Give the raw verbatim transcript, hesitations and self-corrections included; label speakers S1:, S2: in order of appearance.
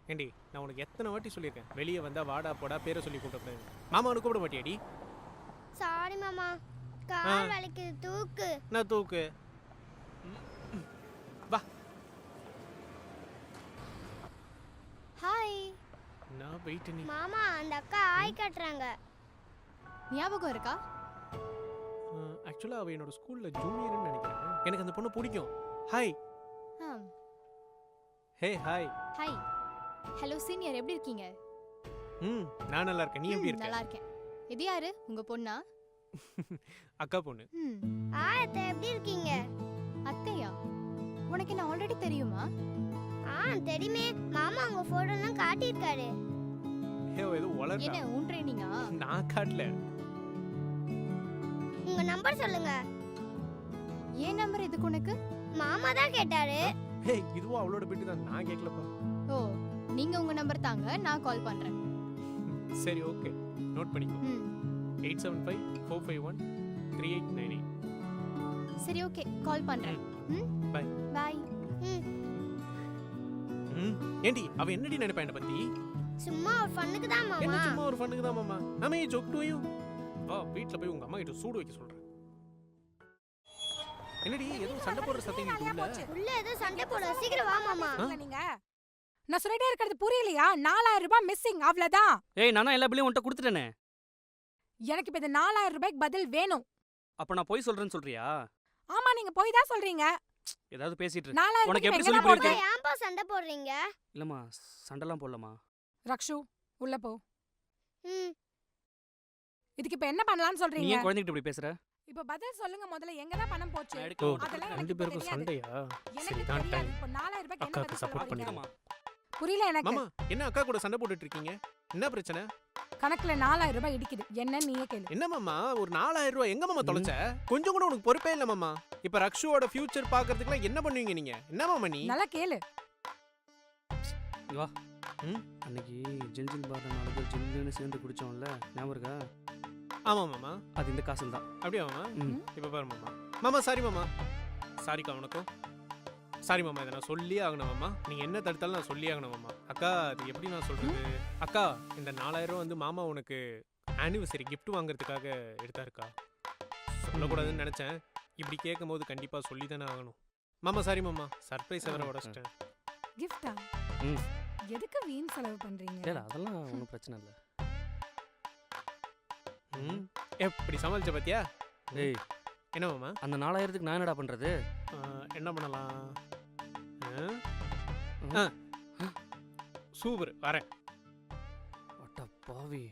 S1: ஏண்டி நான் உனக்கு எத்தனை வாட்டி சொல்லியிருக்கேன் வெளியே வந்தா வாடா போடா பேரை சொல்லி கூப்பிட்டு மாமா உனக்கு கூப்பிட மாட்டியாடி?
S2: சாரி மாமா, கால் வலிக்குது, தூக்கு.
S1: நான் தூக்கு. வா.
S2: ஹாய்.
S1: நான் வெயிட் நீ.
S2: மாமா அந்த அக்கா ஆய் கட்டுறாங்க.
S3: ஞாபகம் இருக்கா?
S1: ஆக்சுவலா அவ என்னோட ஸ்கூல்ல ஜூனியர்னு நினைக்கிறேன். எனக்கு அந்த பொண்ணு பிடிக்கும். Hi. Hey hi.
S3: Hi. Hello senior, எப்படி இருக்கீங்க?
S1: ம் நான் நல்லா இருக்கேன். நீ எப்படி இருக்க?
S3: நல்லா இருக்கேன். இது யாரு? உங்க பொண்ணா?
S1: அக்கா பொண்ணு.
S3: ம்.
S2: ஆய் அத்தை எப்படி இருக்கீங்க?
S3: அத்தையா? உனக்கு என்ன ஆல்ரெடி தெரியுமா?
S2: ஆ தெரியுமே, மாமா உங்க போட்டோலாம் காட்டியிருக்காரு.
S1: ஹே ஏதோ வளர்றா.
S3: என்ன உன் ட்ரெயினிங்கா?
S1: நான் காட்டல.
S2: உங்க நம்பர் சொல்லுங்க.
S3: ஏன் நம்பர் எதுக்கு உனக்கு?
S2: மாமா தான் கேட்டாரு.
S1: ஹே இதுவும் அவளோட பெட்டி தான், நான் கேட்கலப்பா.
S3: ஓ, நீங்க உங்க நம்பர் தாங்க, நான் கால் பண்றேன்.
S1: சரி ஓகே, நோட் பண்ணிக்கோ.
S3: ம்.
S1: Eight seven five four five one three eight nine eight.
S3: சரி ஓகே, கால் பண்றேன். ம்
S1: பை.
S3: பை.
S2: ம்.
S1: ம் ஏண்டி அவ என்னடி நினைப்பா என்ன பத்தி?
S2: சும்மா ஒரு ஃபன்னுக்கு தான்
S1: என்ன
S2: மாமா.
S1: சும்மா ஒரு ஃபன்னுக்கு தான் மாமா. நாம ஏ ஜோக் டு யூ. வா வீட்ல போய் உங்க அம்மா கிட்ட சூடு வைக்க சொல்றேன். என்னடி ஏதோ சண்டை போடுற சத்தம் கேக்குதுல?
S2: உள்ள ஏதோ சண்டை போட, சீக்கிரம் வா மாமா.
S4: நீங்க நான் சொல்லிட்டே இருக்கிறது புரியலையா? நாலாயிரம் ரூபாய் மிஸ்ஸிங், அவ்வளவுதான்.
S5: ஏய் நானா எல்லா பில்லையும் உன்கிட்ட கொடுத்துட்டேனே.
S4: எனக்கு இப்ப இந்த நாலாயிரம் ரூபாய்க்கு பதில் வேணும்.
S5: அப்ப நான் போய் சொல்றேன்னு சொல்றியா?
S4: ஆமா, நீங்க போய் தான் சொல்றீங்க.
S5: ஏதாவது பேசிட்டு இரு.
S4: நாலாயிரம்
S5: உனக்கு எப்படி
S4: ரூபாய்க்கு
S5: சொல்லி
S4: எங்கடா போறது?
S5: புரியுது?
S2: ஏன்பா சண்டை போடுறீங்க?
S5: இல்லம்மா சண்டைலாம் போடலமா.
S4: ரக்ஷு உள்ள போ.
S2: ம்.
S4: இதுக்கு இப்ப என்ன பண்ணலாம்னு
S5: நீ
S4: சொல்றீங்க?
S5: ஏன் குழந்தைகிட்ட இப்படி பேசுற?
S4: இப்ப பதில் சொல்லுங்க முதல்ல, எங்க தான் பணம் போச்சு?
S5: நான்
S1: ஓ
S5: எடுக்க மாட்டேன்.
S4: அதெல்லாம்
S1: ரெண்டு
S4: எனக்கு
S1: பேருக்கும்
S4: தெரியாது.
S1: சண்டையா?
S4: எனக்கு
S1: சரி தான்
S4: தெரியாது.
S1: டைம்.
S4: இப்ப நாலாயிரம் ரூபாய்க்கு என்ன
S1: அக்காக்கு
S4: பதில்
S1: support
S4: சொல்ல போறீங்க?
S1: பண்ணிடுமா?
S4: புரியல எனக்கு.
S1: மாமா என்ன அக்கா கூட சண்டை போட்டுட்டு இருக்கீங்க? என்ன பிரச்சனை?
S4: கணக்குல நாலாயிரம் ரூபாய் இடிக்குது. என்ன நீயே கேளு.
S1: என்ன மாமா ஒரு நாலாயிரம் ரூபாய் எங்க மாமா தொலைச்ச? கொஞ்சம் கூட உனக்கு பொறுப்பே இல்ல மாமா. இப்ப ரக்ஷுவோட ஃபியூச்சர் பாக்குறதுக்குலாம் என்ன பண்ணுவீங்க நீங்க? என்ன மாமா நீ?
S4: நல்லா கேளு.
S5: இங்க வா. ம் அன்னைக்கு ஜில் ஜில் பார் நாலு பேர் ஜில்லுன்னு சேர்ந்து குடிச்சோம்ல, ஞாபகம் இருக்கா?
S1: ஆமா மாமா.
S5: அது இந்த காசுல தான்.
S1: அப்படியே மாமா.
S5: ம்.
S1: இப்ப பாரு மாமா. மாமா சாரி மாமா. சாரிக்கா உனக்கும். சாரி மாமா, இதை நான் சொல்லி ஆகணும் மாமா. நீங்க என்ன தடுத்தாலும் நான் சொல்லி ஆகணும் மாமா. அக்கா அது எப்படி நான் சொல்றது? அக்கா இந்த நாலாயிரம் ரூபாய் வந்து மாமா உனக்கு ஆனிவர்சரி gift வாங்குறதுக்காக எடுத்தாருக்கா. சொல்லக்கூடாதுன்னு நினைச்சேன். இப்படி கேட்கும் போது கண்டிப்பா சொல்லி தானே ஆகணும். மாமா சாரி மாமா, சர்ப்ரைஸ் வேற உடச்சிட்டேன்.
S4: கிஃப்டா?
S5: ம்.
S4: எதுக்கு வீண் செலவு பண்றீங்க?
S5: இல்ல அதெல்லாம் ஒன்றும் பிரச்சனை இல்லை.
S1: ம் எப்படி சமாளிச்ச பாத்தியா?
S5: ஏய்
S1: என்ன மாமா?
S5: அந்த நாலாயிரத்துக்கு நான் என்னடா பண்றது?
S1: ஆ, என்ன பண்ணலாம்?
S5: ம்.
S1: சூப்பர் வரேன்.
S5: அட்ட பாவி.